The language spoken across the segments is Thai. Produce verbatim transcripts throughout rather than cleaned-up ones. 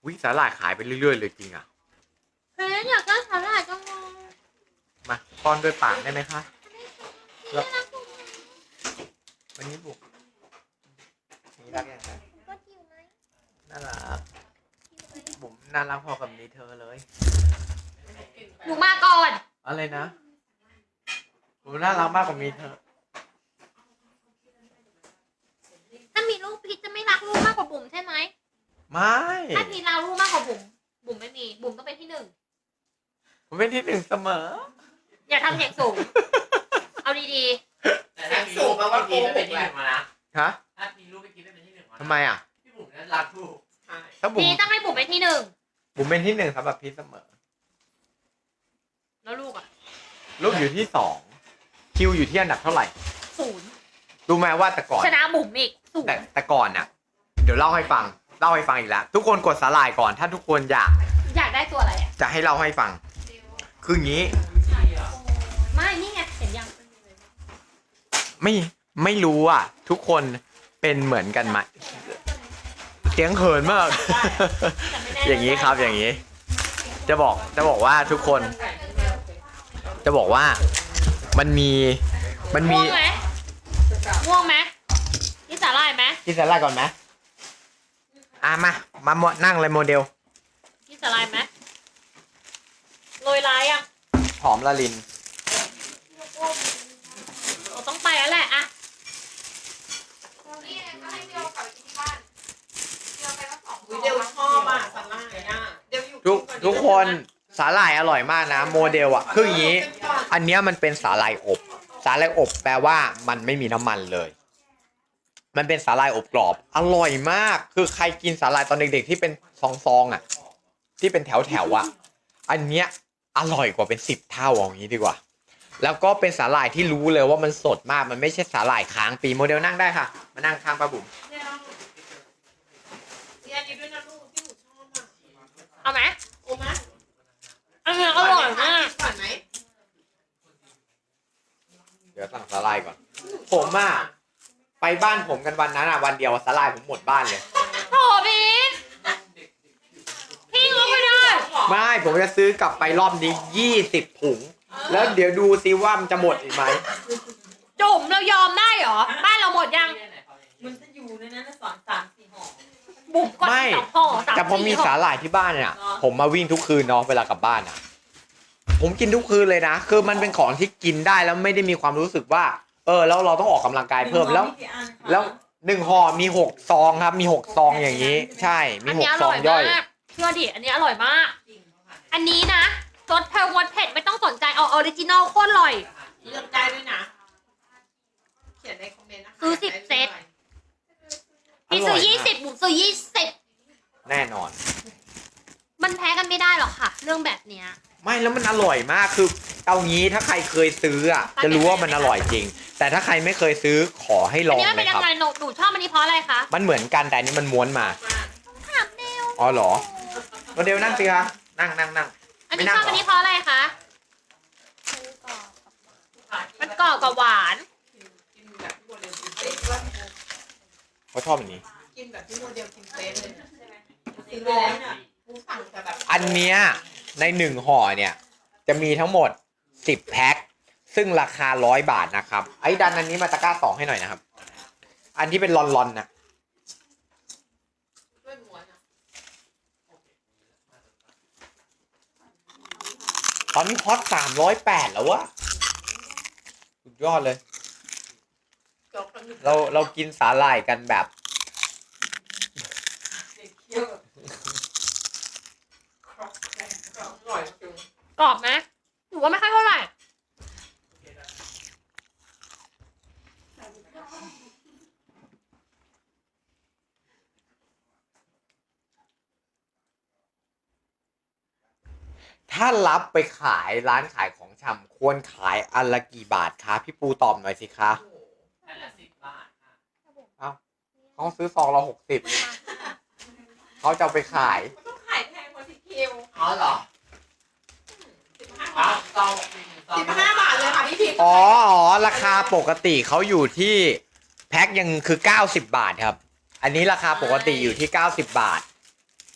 วิสาหร่ายขายไปเรื่อยๆเลยจริงอ่ะเฮ้ยอยากได้สาหร่ายจังเลยมาป้อนด้วยปากได้ไหมคะนี่รักคุณวันนี้บุกนี่รักยังไงก็จิ๋วไหมน่ารักบุ๋มน่ารักพอกับนี้เธอเลยหนูมาก่อนอะไรนะบุ๋มน่ารักมากกว่ามีเธอถ้ามีลูกพีชจะไม่รักลูกมากกว่าบุ๋มใช่ไหมไม่ถ้าพีชรักลูกมากกว่าบุ๋มบุ๋มไม่มีบุ๋มต้องเป็นที่หนึ่งผมเป็นที่หนึ่งเสมออย่าทำเสียงสูง เอาดีแต่ถ้ามีลูกไปกินไม่เป็นที่หนึ่งมานะฮะถ้ามีลูกไปกินไม่เป็นที่หนึ่งมานะทำไมอ่ะพี่บุ๋มนั้นรักลูกใช่ถ้าๆบุ๋พีมชต้องให้บุ๋มเป็นที่หนึ่งบุ๋มเป็นที่หนึ่งสำหรับพีทเสมอแล้วลูกอ่ะลูกอยู่ที่สองคิวอยู่ที่อันดับเท่าไหร่ศูนย์รู้ไหมว่าแต่ก่อนชนะบุ๋มอีกศูนแต่ย์แต่ก่อนน่ะ เดี๋ยวเล่าให้ฟังเล่าให้ฟังอีกแล้วทุกคนกดสาหร่ายก่อนถ้าทุกคนอยากอยากได้ตัวอะไรอ่ะจะให้เล่าให้ฟัง คืออย่างนี้ไม่นี่ไงเห็นยังไม่ไม่รู้อ่ะ ทุกคนเป็นเหมือนกันไหมเสียงเขินมาก อย่างนี้ครับอย่างนี้ จะบอกจะบอกว่าทุกคน จะบอกว่ามันมีมันมีง่วงไหมง่วงไหมนี่สาหร่ายไหมกินสาหร่ายก่อนไหมอ่ะมามามานั่งเลยโมเดลนี่สาหร่ายไหมโรยลายอ่ะหอมละลินเราต้องไปแล้วแหละอะเดี๋ยวชอบอ่ะสาหร่ายอ่ะเดี๋ยวอยู่ทุกทุกคนสาหร่ายอร่อยมากนะโมเดลอ่ะคืออย่างนี้ อันเนี้ยมันเป็นสาหร่ายอบ สาหร่ายอบแปลว่ามันไม่มีน้ำมันเลย มันเป็นสาหร่ายอบกรอบ อร่อยมาก คือใครกินสาหร่ายตอนเด็กๆที่เป็นซองๆอ่ะ ที่เป็นแถวๆอ่ะ อันเนี้ยอร่อยกว่าเป็นสิบเท่าอย่างนี้ดีกว่า แล้วก็เป็นสาหร่ายที่รู้เลยว่ามันสดมาก มันไม่ใช่สาหร่ายค้างปีโมเดลนั่งได้ค่ะ มานั่งข้างป้าบุ๋มเนี่ยนี่ด้วยนะลูกที่หนูชอบอ่ะเอาไหมโอ้มะอันนี้อร่อยมากก่อนไหมเดี๋ยวสั่งสาหร่ายก่อน ผมอ่ะไปบ้านผมกันวันนั้นอ่ะวันเดียวสาหร่ายผมหมดบ้านเลยโถพีทพี่งกไม่ได้ไม่ผมจะซื้อกลับไปรอบนี้ยี่สิบถุง แล้วเดี๋ยวดูซิว่ามันจะหมดอีกไหมจุ่มเรายอมได้เหรอ บ้านเราหมดยังมันจะอยู่ในนั้นสองสามสี่ห่อบุกก่อนไม่สองห่อสามแต่พอมีสี่ห่สาหร่ายที่บ้านเนี่ยผมมาวิ่งทุกคืนเนาะเวลากลับบ้านอ่ะ ผมกินทุกคืนเลยนะ คือมันเป็นของที่กินได้แล้วไม่ได้มีความรู้สึกว่า เออแล้วเราต้องออกกำลังกายเพิ่มแล้ว แล้วหนึ่งห่อมีหกซองครับ มีหกซองอย่างนี้ ใช่มีอันหนี้กอซอร่งอยย่อยมากเชื่อดิอันนี้อร่อยมากจริงอันนี้นะรสเผ็ดรสเผ็ดไม่ต้องสนใจเอาออริจินอลโคตรอร่อยเลือกได้ด้วยนะเขียนในคอมเมนต์นะคะซื้อสิบเซต พี่ซื้อยี่สิบบุ๋มซื้อยี่สิบแน่นอนมันแพ้กันไม่ได้หรอกค่ะ เรื่องแบบเนี้ยไม่แล้วมันอร่อยมากคือเอางี้ถ้าใครเคยซื้ออ่ะจะรู้ว่ามันอร่อยจริง แต่ถ้าใครไม่เคยซื้อขอให้ลอัอน งนี้มันเลเป็นยยัครับงไงหนูหนูชอบอันนี้เพราะอะไรคะมันเหมือนกันแต่อันนี้มันม้วนมาถามเดวอ๋อเหรอโมเดลนั่งสิคะนั่งนั่งนั่งอันไม่นี้นั่ชงอบเหรอันอนี้เพราะอะไรคะมันกรอบกับหวานกินแบบที่โมเดลกินเป๊ะเขาชอบอันนี้กินแบบที่โมเดลกินเป๊ะเลยซื้อไปแล้วเนี่ยกูสั่งแต่แบบอันเนี้ยในหนึ่งห่อเนี่ยจะมีทั้งหมดสิบแพ็คซึ่งราคาร้อยบาทนะครับไอ้ดันอันนี้มาตะกร้าสองให้หน่อยนะครับ อันที่เป็นลอนลอนๆนะด้วยม้วนอ่ะตอนนี้ฮอตสามร้อยแปดแล้ววะสุดยอดเลยจบแล้วเราเรากินสาหร่ายกันแบบเด็กเคี้ยวแบบครอกแครกครอกอร่อยจริงกรอบไหมหนูว่าไม่ค่อยเท่าไหร่ถ้ารับไปขายร้านขายของชำควรขายอันละกี่บาทคะพี่ปูตอบหน่อยสิคะโอ้โหแค่ละสิบบาทค่ะเขาซื้อซองละหกสิบเขาจะเอาไปขายมันต้องขายแพงกว่าสิคิวอ๋อเหรอสิบห้าป้าบาทซองซองสิบห้าบาทเลยค่ะพี่พีอ๋ออ๋อราคาปกติเขาอยู่ที่แพ็คยังคือเก้าสิบบาทครับ อันนี้ราคาปกติอยู่ที่เก้าสิบบาท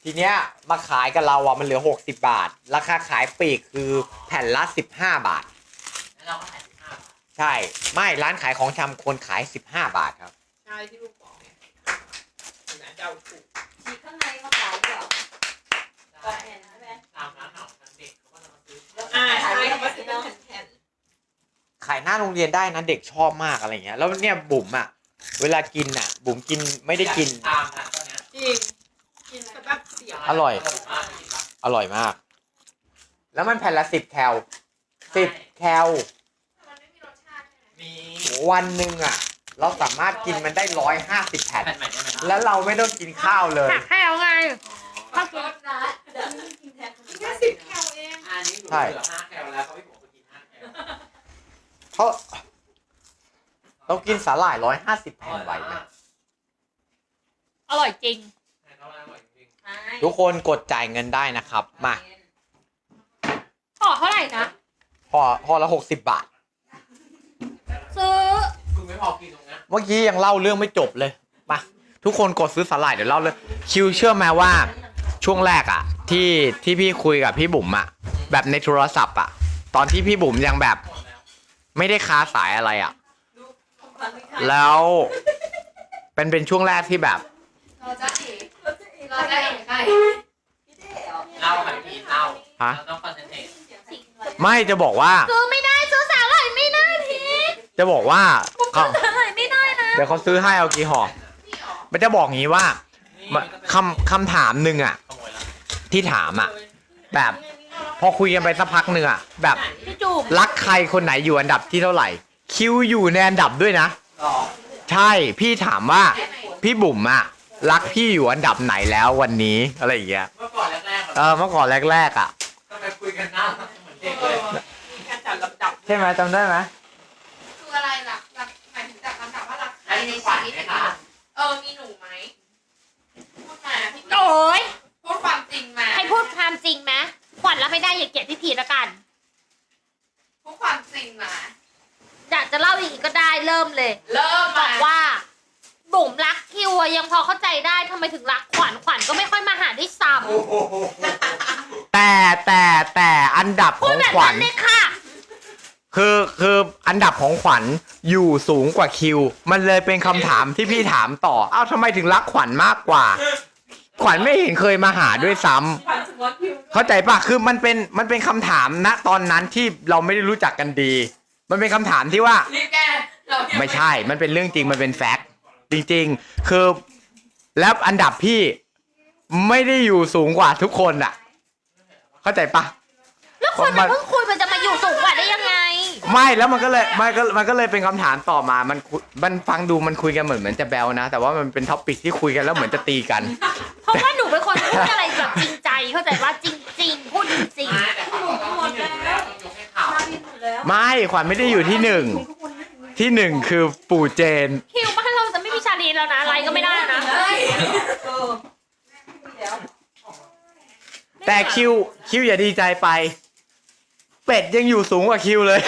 ทีเนี้ยมาขายกับเราอ่ะมันเหลือหกสิบบาท ราคาขายปลีกคือแผ่นละสิบห้าบาทแล้วเราก็ขายสิบห้าบาทใช่ไม่ร้านขายของชำควรขายสิบห้าบาทครับใช่ที่ลูกบอกเนี่ยนะเดาถูกฉีกข้างในมาขายเดี๋ยวกรอบแผ่นใช่ไหมตามร้านอาหารเด็กเขาก็จะมาซื้ออ่าใช่เขาก็จะเป็นแผ่นขายหน้าโรงเรียนได้นะเด็กชอบมากอะไรเงี้ยแล้วเนี่ยบุ๋มอ่ะเวลากินอ่ะ บุ๋มกินไม่ได้กินตามนะตอนเนี้ยๆจริงกินสแบบเสียวอร่อยมากจริงปะอร่อยมาก แล้วมันแผ่นละสิบแคลสิบแคลมันไม่มีรสชาติใช่ไหมมีวันหนึ่งอ่ะ เราสามารถกินมันได้ร้อยห้าสิบแผ่นแผ่นใหม่ได้ไหมแล้วเราไม่ต้องกินข้าวเลยหักให้เอาไงข้าวรสนะเดี๋ยวนี้กินแทนคนแค่สิบแคลเองอันนี้หนูเหลือห้าแคลแล้วเขาไม่บอกว่ากินห้าแคลเพราะเรากินสาหร่ายร้อยห้าสิบแผ่นไหวไหมอร่อยจริงแผ่นเขาอร่อยจริงใช่ทุกคนกดจ่ายเงินได้นะครับ มาห่อเท่าไหร่นะพอพอละหกสิบบาทซื้อคุณไม่พอกินตรงนี้เมื่อกี้ยังเล่าเรื่องไม่จบเลย มา ทุกคนกดซื้อสาหร่ายเดี๋ยวเล่าเลย คิวเชื่อไหมว่าช่วงแรกอะที่ที่พี่คุยกับพี่บุ๋มอะแบบในโทรศัพท์อะตอนที่พี่บุ๋มยังแบบหมดแล้วไม่ได้ค้าสายอะไรอะของขวัญไม่ขายแล้วเป็นเป็นช่วงแรกที่แบบเราจะเอ๋เราจะเอ๋ใครพี่เจ๋อเล่าค่ะพี่เล่าฮะเราต้องคอนเซนเทรตฉีกไม่จะบอกว่าซื้อไม่ได้ซื้อสาหร่ายไม่ได้พีทจะบอกว่าเขาสาหร่ายไม่ได้นะเดี๋ยวเขาซื้อให้เอากี่ห่อมันจะบอกงี้ว่านี่มาคำคำถามหนึ่งอะขโมยแล้วที่ถามอะแบบ พอคุยกันไปสักพักหนึ่งอะแบบพี่จูบรักใครคนไหนอยู่อันดับที่เท่าไหร่ คิวอยู่ในอันดับด้วยนะต่อใช่พี่ถามว่า พี่บุ๋มอะรักพี่อยู่อันดับไหนแล้ววันนี้อะไรอย่างเงี้ยเมื่อก่อนแรกๆเออเมื่อก่อนแรกๆอะทำไมคุยกันหน้าเหมือนเด็กเลยมีการจัดลำดับใช่ไหมจำได้ไหมคืออะไรล่ะหลักหมายถึงจัดลำดับว่ารักใครให้ในมีขชีวัญวิตไหมเนี่ยคะเออมีหนูไหมพูดมาพี่โอ้ยพูดความจริงมาให้พูดความจริงไหมขวัญรับไม่ได้อย่าเกลียดพี่พีทละกันพูดความจริงมาอยากจะเล่าอีกก็ได้เริ่มเลยเริ่มบมาอกว่า บุ๋มรักคิวอะยังพอเข้าใจได้ทำไมถึงรักขวัญขวัญก็ไม่ค่อยมาหาด้วยซ้โอ้โหแต่แต่แต่อันดับำขพูอดงแบบขวันั้ญนเลยค่ะคือคืออันดับของขวัญอยู่สูงกว่าคิว มันเลยเป็นคำถามที่พี่ถามต่อ เอ้าทำไมถึงรักขวัญมากกว่า ขวัญไม่เห็นเคยมาหาด้วยซ้ำขวัญสมมติคิวเข้าใจปะคือมันเป็นมันเป็นคำถามณตอนนั้นที่เราไม่ได้รู้จักกันดี มันเป็นคำถามที่ว่ารีบแกเรายังไม่ใช่ มันเป็นเรื่องจริง มันเป็นแฟกต์จริงๆ คือ แล้วอันดับพี่ไม่ได้อยู่สูงกว่าทุกคนอะเข้าใจปะแล้วคนมันเพิ่งคุยมันจะมาอยู่สูงกว่าได้ยังไงไม่แล้วมันก็เลยมันก็มันก็เลยเป็นคำถามต่อมามันคุยมันฟังดูมันคุยกันเหมือนเหมือนจะแบลนะ แต่ว่ามันเป็นท็อปปิกที่คุยกันแล้วเหมือนจะตีกันเพราะว่าหนูเป็นคนพูดอะไรแบบจริงใจเข้าใจว่าจริง ๆ พูดจริงไม่แต่เขาต้องที่หนึ่งแล้วต้องยกให้เขามาบินหมดแล้วไม่ขวัญไม่ได้อยู่ที่หนึ่งที่หนึ่งคือปู่เจนๆคิวบ้านเราจะไม่มีชาลีแล้วนะอะไรก็ไม่ได้แล้วนะเฮ้ยเออไม่มีแล้วแต่คิวคิวอย่าดีใจไป เป็ดยังอยู่สูงกว่าคิวเลย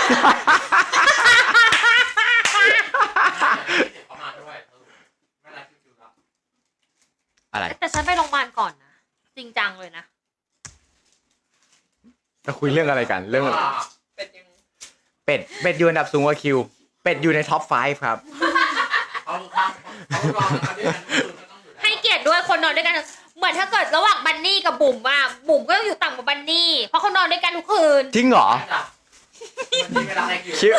เขามาด้วยไม่รักคิวๆแล้วอะไรแต่ฉันไปโรงพยาบาลก่อนนะจริงจังเลยนะจะคุยเรื่องอะไรกันเรื่องอะไรเป็นยังเป็ดเป็ดอยู่อันดับสูงกว่าคิว เป็ดอยู่ในท็อปไฟว์ครับเขาข้างเขารอกันด้วยกันคือก็ต้องอยู่แล้วให้เกียรติด้วยคนนอนด้วยกัน เหมือนถ้าเกิดระหว่างบันนี่กับบุ๋มอะบุ๋มก็ต้องอยู่ต่ำกว่าบันนี่เพราะเขานอนด้วยกันทุกคืนจริงเหรอมันมีเวลาอะไรคิวคิว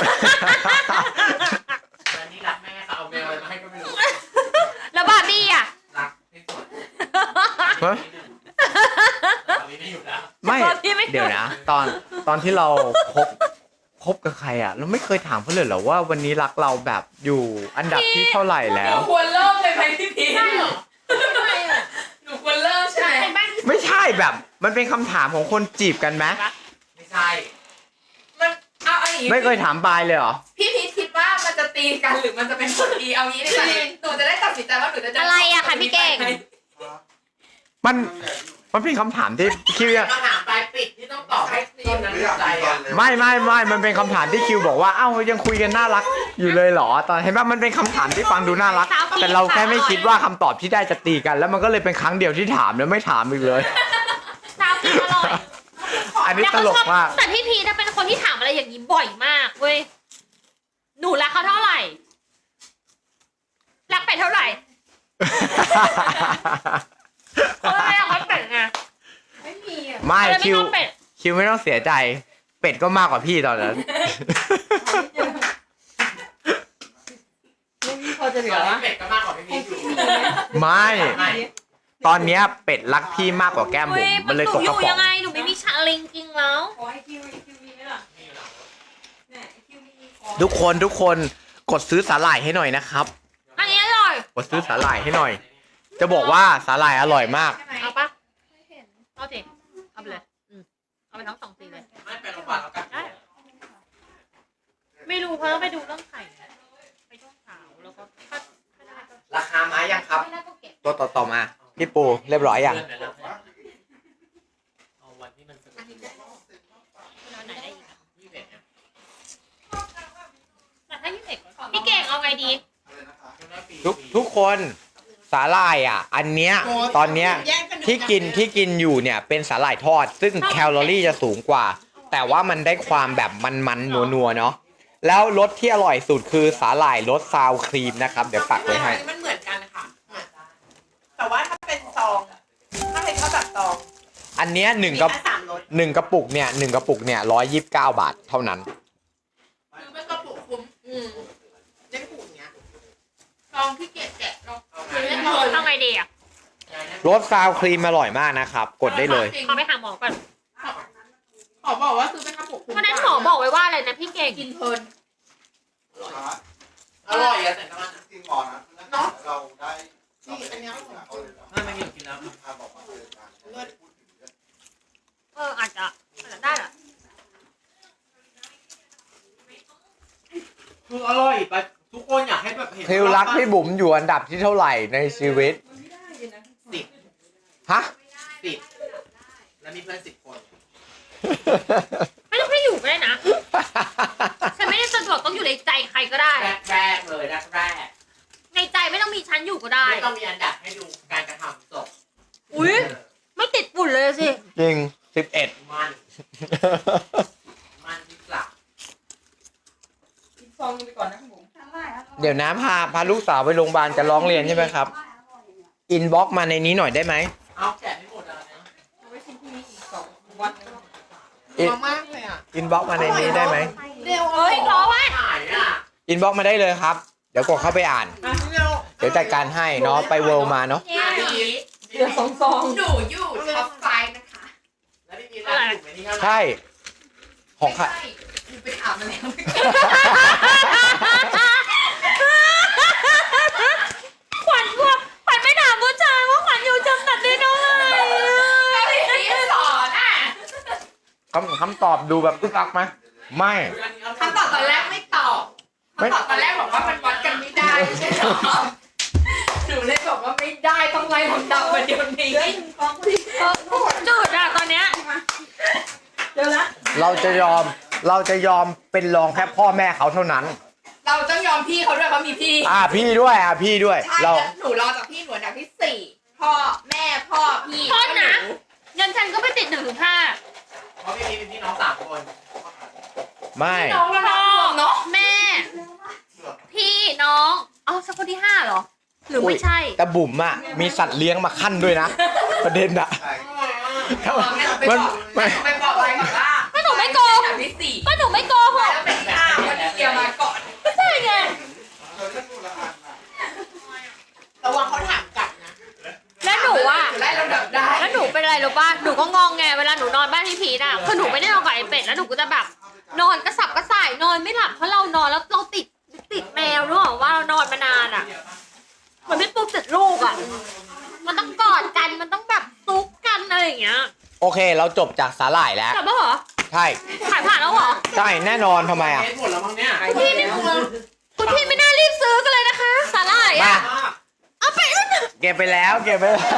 วันนี้รักแม่ค่ะเอาแมวอะไรมาให้ก็ไม่รู้แล้วบาร์บี้อะรักที่สุดฮะตอนนี้ไม่อยู่แล้วไม่บาร์บี้ไม่เดี๋ยวนะ ตอนตอนที่เราคบคบกับใครอ่ะ เราไม่เคยถามเขาเลยเหรอว่าวันนี้รักเราแบบอยู่อันดับที่เท่าไหร่แล้วหนูควรเริ่มเลยไหมพี่พีทหนูควรเริ่มใช่ไหมเห็นปะไม่ใช่แบบ มันเป็นคำถามของคนจีบกันไหมไม่ใช่มันเอาเอาอย่างนี้ไม่เคยถามปลายเลยเหรอพี่พีทคิดว่ามันจะตีกันหรือมันจะเป็นผลดีเอางี้ดีกว่าหนูจะได้ตัดสินใจว่าหนูจะเดินอะไรอะคะพี่เก่งมันมันเป็นคำถามที่คิวยังมาถามปลายปิดที่ต้องตอบให้คนนั้นใจอ่ะไม่ไม่ไม่มันเป็นคำถามที่คิวบอกว่าเอ้ายังคุยกันน่ารักอยู่เลยเหรอ ตอนเห็นป่ะมันเป็นคำถามที่ฟังดูน่ารัก แต่เราแค่ไม่คิดว่าคำตอบที่ได้จะตีกัน แล้วมันก็เลยเป็นครั้งเดียวที่ถามแล้วไม่ถามอีกเลยซาวกินอร่อยอันนี้ตลกมากแต่พี่พีถ้าเป็นคนที่ถามอะไรอย่างนี้บ่อยมากเว้ยหนูรักเขาเท่าไหร่รักเป็ดเท่าไหร่เพราะอะไรเขาเป็ดไงไม่มีอ่ะไม่อะไรไม่คิวชอบเป็ดคิวไม่ต้องเสียใจ เป็ดก็มากกว่าพี่ตอนนั้นไม่มีพอจะเหลืเดี๋อยววะเป็ดก็มากกว่าพี่พีชอยู่ไม่ไม่ตอนเนี้ยเป็ดรักพี่มากกว่าแก้มบุ๋มมันเลยหตนูกอกระยู่ป๋อยัง งไงหนูไม่มีชาลิงจริงแล้วขอให้คิวคิวมีไหมล่ะเนี่ยคิวมีขอทุกคนทุกคนกดซื้อสาหร่ายให้หน่อยนะครับอันนี้อร่อยกดซื้อสาหร่ายให้หน่อย จะบอกว่าสาหร่ายอร่อยมากใช่ไหมเอาปะเอาสิเอาไปเลยอืมเอาไปทั้งสองสีเลยไม่ไปโรงพยาบาลแล้วกันได้ไม่รู้เพราะว่าไปดูเรื่องไข่ไปช่วงเช้าแล้วก็ถ้าถ้าได้ก็ราคามายังครับไม่ได้ก็เก็บตัวต่อต่อมา พี่ปูเรียบร้อยยังเลื่อนไปแล้วเอาวันที่มันสะดวกเอาไหนได้อีกอะยี่สิบเอ็ดเนี่ยแต่ถ้ายี่สิบพี่เก่งเอาไงดีทุกทุกคนสาหร่ายอ่ะ อันเนี้ยตอนเนี้ยที่กินที่กินอยู่เนี่ยเป็นสาหร่ายทอด ซึ่งแคลอรี่จะสูงกว่า แต่ว่ามันได้ความแบบมันๆนัวๆเนาะแล้วรสที่อร่อยสุดคือสาหร่ายรสซาวครีมนะครับ เดี๋ยวปักไว้ให้มันเหมือนกันค่ะแต่ว่าถ้าเป็นซองถ้าเป็นข้าวแบบซองอันเนี้ยหนึ่งมีกระแค่สามรสหนึ่งกระปุกเนี่ยหนึ่งกระปุกเนี่ยร้อยยี่สิบเก้าบาทเท่านั้นคือเป็นกระปุกคุ้มอืมได้ผูกเนี้ยซองที่เกะแกะลองคือเล่นเลยเอาไงดีอ่ะรสซาวครีมอร่อยมากนะครับ กดได้เลยขอไปหาหมอก่อนขอบอกว่าซื้อเป็นกระปุกคุ้มวันนั้นหมอบอกไว้ว่าอะไรนะพี่เก่งกินเพลินอร่อยอะแต่น้ำมันอะจริงก่อนนะเราได้นี่อันเนี้ยของคุณไม่ไม่มีกินน้ำพาบอกมาเจอกันไม่ได้พูดถึงเรื่องเอออาจจะอาจจะได้แหละคืออร่อยไปทุกคนอยากให้แบบเห็นคิวรักพี่บุ๋มอยู่อันดับที่เท่าไหร่ในชีวิตสิบฮะสิบแล้วมีเพื่อนสิบคนไม่ต้องให้อยู่ก็ได้นะฉันไม่ได้สะดวกต้องอยู่ในใจใครก็ได้แรกแรกเลยแรกแรกในใจไม่ต้องมีฉันอยู่ก็ได้ไม่ต้องมีอันดับให้ดูการกระทำศพอุ้ยไม่ติดฝุ่นเลยสิจริงสิบเอ็ดมันมันที่กลับกินซองไปก่อนนะคุณบุ๋มเดี๋ยวนะพาพาลูกสาวไปโรงพยาบาลจะร้องเรียนใช่ไหมครับ อินบ็อกมาในนี้หน่อยได้ไหมเอาแกะไม่หมดแล้วนะเอาไว้ชิมพรุ่งนี้อีกสองวันนึงอินมามากเลยอ่ะอินบ็อกมาในนี้ได้ไหมเร็วเฮ้ยรอไว้หายอ่ะอินบ็อกมาได้เลยครับ เดี๋ยวกดเข้าไปอ่านอ่ะเร็วเดี๋ยวจัดการให้เนาะไปเวิลด์มาเนาะเนี่ยเดี๋ยวสองซองหนูอยู่ท็อปไฟว์นะคะแล้วพี่พีชร้านถูกไหมนี่เท่าไหร่ใช่ ของค่ะไม่ใช่หนูไปถามมาแล้วขวัญว่าขวัญไม่ถามผู้ชายว่าขวัญอยู่จำกัดได้เท่าไหร่พี่สอนอ่ะคำคำตอบดูแบบอึกอักไหมไม่คำตอบตอนแรกไม่ตอบคำตอบตอนแรกบอกว่ามันวัดกันไม่ได้ไม่ใช่หรอหนูเลยบอกว่าไม่ได้ต้องไล่ลำดับมาเดี๋ยวนี้จืดอะตอนเนี้ยเดี๋ยวละเราจะยอมเราจะยอมเป็นรองแค่พ่อแม่เขาเท่านั้นเราต้องยอมพี่เขาด้วยเพราะมีพี่อ่าพี่ด้วยอ่าพี่ด้วยใช่เราแล้วหนูรอจากพี่หนูอันดับที่สี่พ่อแม่พ่อพี่โทษนะหยันฉันก็ไปติดหนึ่งถึงห้าเพราะพี่พีชเป็นพี่น้องสามคนไม่น้องเรารวมเนาะแม่ พี่น้องเอาสักคนที่ห้าเหรอ หรือไม่ใช่แต่บุ๋มอ่ะมีสัตว์เลี้ยงมาขั้นด้วยนะ ประเด็นอ่ะใช่มันไม่มันไปบอกอะไรก่อนว่าก็หนูไม่โกงอันดับที่สี่ก็หนูไม่โกหกแล้วเป็นที่ห้าวันที่เกียร์มาก่อนก็ใช่ไงเธอเลือกดูละอันนะระวังเขาถามกลับนะแล้วหนูอ่ะหนูไล่ลำดับได้แล้วหนูเป็นอะไรรู้ป่ะ หนูก็งองแงเวลาหนูนอนบ้านพี่พีทอ่ะ คือหนูไม่ได้นอนกับไอ้เป็ดแล้วหนูก็จะแบบ นอนกระสับกระส่ายนอนไม่หลับเพราะเรานอนแล้วเราติดติดแมวรู้หรอว่าเรานอนมานานอ่ะเหมือนพี่ปุ๊กติดลูกอ่ะ มันต้องกอดกัน มันต้องแบบซุกกันอะไรอย่างเงี้ยโอเค เราจบจากสาหร่ายแล้วกลับมาเหรอใช่ขายผ่านแล้วเหรอใช่แน่นอนทำไมอ่ะเม็ดหมดแล้วมั้งเนี่ยคุณพี่ไม่คุณพี่ไม่น่ารีบซื้อกันเลยนะคะ สาหร่ายมาอ่ะ เอาไปแล้วนะเก็บไปแล้วเก็บไปแล้ว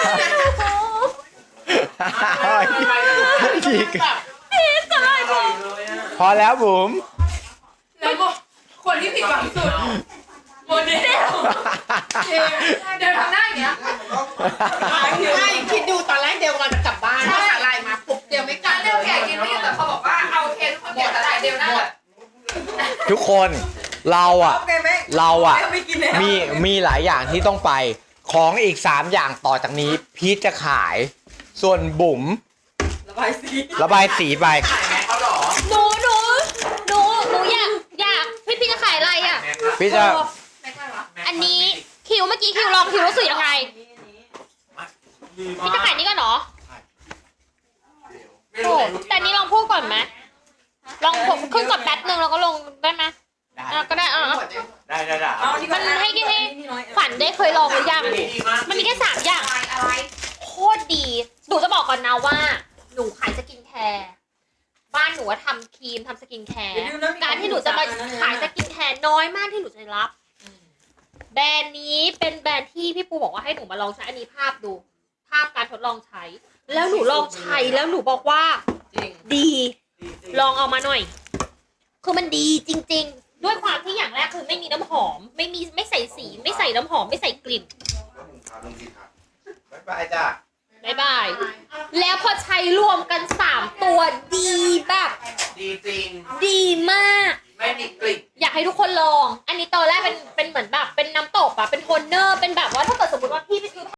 อีกพี่สาหร่ายผมเลยอ่ะพอแล้วบุ๋มแล้วก็คนที่ผิดหวังสุดโมเดลเดี๋ยวทำหน้าอย่างเงี้ยไม่คิดดูตอนแรกเดียวกำลังจะกลับบ้านพอสาหร่ายมาปุ๊บเดียวไม่กลักาบรเดียวแก่กินไม่อยู่แต่เขาบอกว่าเอาเคนทุกคนแก่แต่ไหนเดียวนั่นแหละทุกคนเราอ่ะโอเคไหมเราอ่ะไม่กินแล้วมีมีหลายอย่างที่ต้องไป ของอีกสามอย่างต่อจากนี้พีชจะขาย ส่วนบุ๋มระบายสีระบายสีไปขายแม็กเขาหรอหนูหนูหนูหนูอยากอยากพี่พี่จะขายอะไรอ่ะพี่จะอันนี้คิวเมื่อกี้คิวลองคิวรู้สึกยังไงพี่จะขายนี่ก่อนเหรอโอ้แต่อันนี้ลองพูดก่อนไหมลองขึ้นก่อนแป๊บนึงแล้วก็ลงได้ไหมอ่ะก็ได้อ่ะอ่ะได้ได้ได้เอานี่มันให้ให้ ขวัญได้เคยลองหรือยัง มันมีแค่สามอย่างอะไรโคตรดี หนูจะบอกก่อนนะว่า หนูขายสกินแคร์ บ้านหนูว่าทำครีมทำสกินแคร์ การที่หนูจะมาขายสกินแคร์น้อยมากที่หนูจะรับ แบรนด์นี้เป็นแบรนด์ที่พี่ปูบอกว่าให้หนูมาลองใช้อันนี้ภาพดู ภาพการทดลองใช้ แล้วหนูลองใช้แล้วหนูบอกว่าจริงดี ลองเอามาหน่อย คือมันดีจริง ๆ ด้วยความที่อย่างแรกคือไม่มีน้ำหอม ไม่มีไม่ใส่สี ไม่ใส่น้ำหอมไม่ใส่กลิ่นบ๊ายบายจ้าบ๊ายบาย แล้วพอใช้รวมกันสามตัวดีแบบดีจริงดีมากไม่มีกลิ่นอยากให้ทุกคนลอง อันนี้ตอนแรกเป็นเป็นเหมือนแบบเป็นน้ำตกอะเป็นโทนเนอร์ เป็นแบบว่าถ้าเกิดสมมติว่าพี่ไปซื้อ